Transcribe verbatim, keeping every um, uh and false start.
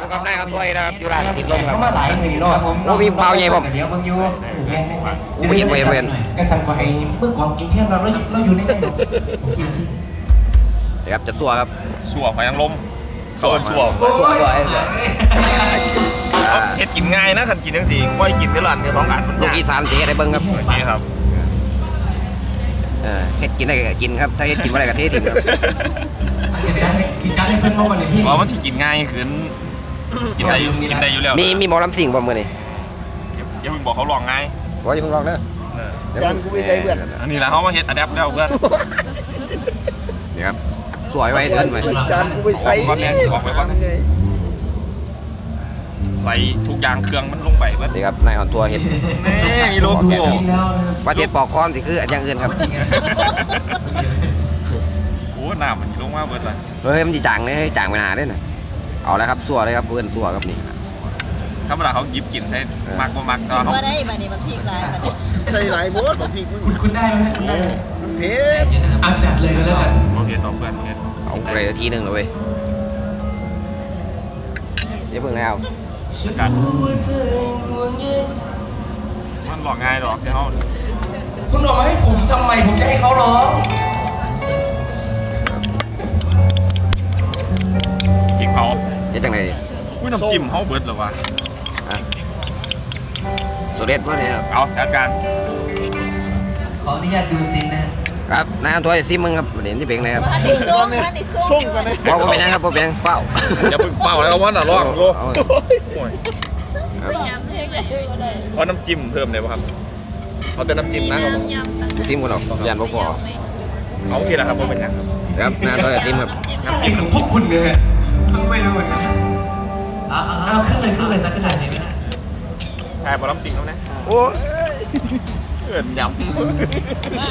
อยู่กับนายเขาถ้วยนะครับอยู่ร้านติดลมครับเขามาหลายมือนี่เนาะผมโอ้มีเบาใหญ่ผมเดี๋ยวบางยูแม่นแม่นแม่นอู้มีเวรเวรกระสันกว่าไอ้เมื่อก่อนกินเที่ยงเราเราเราอยู่ในไหนเนาะกินที่เดี๋ยวครับจะสัวครับสัวหอยนางรมเขาเป็นสัวสัวสัวสัวอ่าเฮ็ดกินง่ายนะคันกินจังสี่ค่อยกินเท่าไหร่เนี่ยต้องอ่านมันลูกยากอีสานเจ๊ได้เบิ้งครับโอเคครับเออเฮ็ดกินได้ก็กินครับถ้าเฮ็ดกินไม่ได้ก็เททิ้งครับสิจัดให้สิจัดให้เพื่อนมาวันนี้ที่เพราะมันที่กินง่ายคือกินได้อยู่กินได้อยู่แล้วมีมีหมอลำสิ่งบ่มื้อนี้อย่าเพิ่งบอกเขาลองง่ายบ่อย่าเพิ่งลองเด้อเออเดี๋ยวจานกูไม่ใช่เพื่อนอันนี้แหละเขามาเฮ็ดอะแดปแล้วเพื่อนนี่ครับสวยไว้เดินไว้จานกูไปใช้บอกก่อนเนี่ยบอกไว้ก่อนใส่ทุกอย่างเครื่องมันลงไปเพื่อนนี่ครับนายอ่อนตัวเฮ็ดนี่มีโลดูโก้ซีนแล้วว่าเฮ็ดปอกคอมสิคืออันอย่างอื่นครับโอ้หน้ามันลงมาเบิดเลยเฮ้ยมันสิจางเลยจางไปหนาเด้อน่ะเอาแล้วครับสัวเลยครับเพื่อนสัวครับนี่ธรรมดาเขาหยิบกินให้มักบ่มักก็เขาว่าได้บัดนี้มันพริกหลายบัดนี้ใส่หลายโบสบอกพี่มึงคุณคุณได้ไหมคุณได้ไหมเพชรเอาจัดเลยก็แล้วกันโอเคต่อเพื่อนเฮ็ดเอาไปทีหนึงเลยเว้ยอย่าเพิ่งแล้วกันมันหลอกง่ายหรอกใช่เฮาคุณออกมาให้ผมทำไมผมจะให้เขาร้องกินเผาเฮ็ดจังได๋อุ้ยน้ำจิ้มเฮาเบิดเหรอวะสุดเด็ดบ่เนี่ยครับเอาจัดการขออนุญาตดูซินนะครับนายอ่อนตัวจะซิมมึงครับเดี๋ยวนี่เป็นไงครับว่านี่ส้มว่านี่ส้มส่งกันเลยบ่บ่เป็นหยังครับบ่เป็นหยังเฝ้าอย่าเพิ่งเป้าแล้วว่าน่ะลองโลเอาโอ้ยครับขอน้ำจิ้มเพิ่มได้ป่ะครับเอาแต่น้ำจิ้มนะครับผมจะซิมกันหรอกยันบ่พอเอาทีละครับผมเป็นยังครับนายอ่อนตัวจะซิมครับอะไรของพวกคุณเนี่ยไม่รู้เหมือนกันเอาเอาขึ้นเลยขึ้นเลยสักขนาดสิไม่ได้ถ่ายบอลลัมซิงแล้วนะโอ้ยเกินยำ